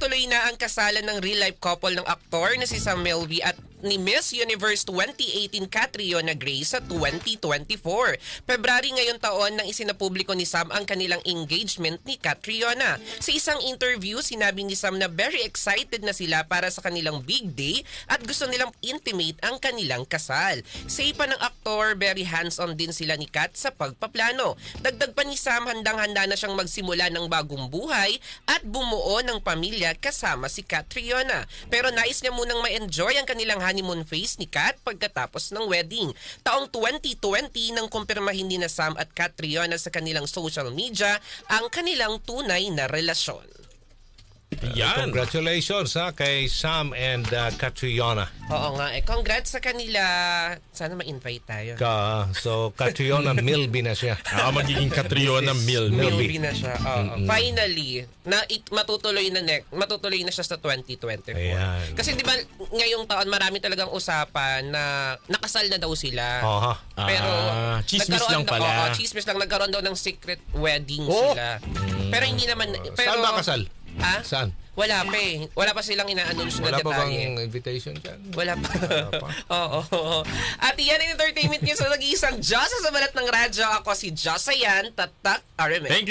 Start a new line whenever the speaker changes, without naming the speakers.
Natuloy na ang kasalan ng real-life couple ng aktor na si Sam Melby at ni Miss Universe 2018 Catriona Gray sa 2024. February ngayon taon nang isinapubliko ni Sam ang kanilang engagement ni Catriona. Sa isang interview, sinabi ni Sam na very excited na sila para sa kanilang big day at gusto nilang intimate ang kanilang kasal. Say pa ng aktor, very hands-on din sila ni Kat sa pagpaplano. Dagdag pa ni Sam, handang-handa na siyang magsimula ng bagong buhay at bumuo ng pamilya kasama si Catriona. Pero nais niya munang ma-enjoy ang kanilang honeymoon phase ni Kat pagkatapos ng wedding. Taong 2020 nang kumpirmahin ni na Sam at Catriona sa kanilang social media ang kanilang tunay na relasyon.
Yan.
Congratulations kay Sam and Catriona.
Oo nga congrats sa kanila. Sana ma-invite tayo.
So Catriona Milby na siya.
Magiging Catriona
Milby na siya. Finally, matutuloy na siya sa 2024.
Ayan.
Kasi di ba ngayong taon marami talagang usapan na nakasal na daw sila. Pero
chismis lang pala.
Chismis lang, nagkaroon daw ng secret wedding sila. Pero hindi naman
Saan ba kasal? Saan?
Wala pa eh. Wala pa silang ina-announce na detalye.
Wala pa bang invitation dyan?
Wala pa. Oo. At yan ang entertainment niyo sa nag-iisang Diyosa sa balat ng radyo. Ako si Josayan Tatak Aramen.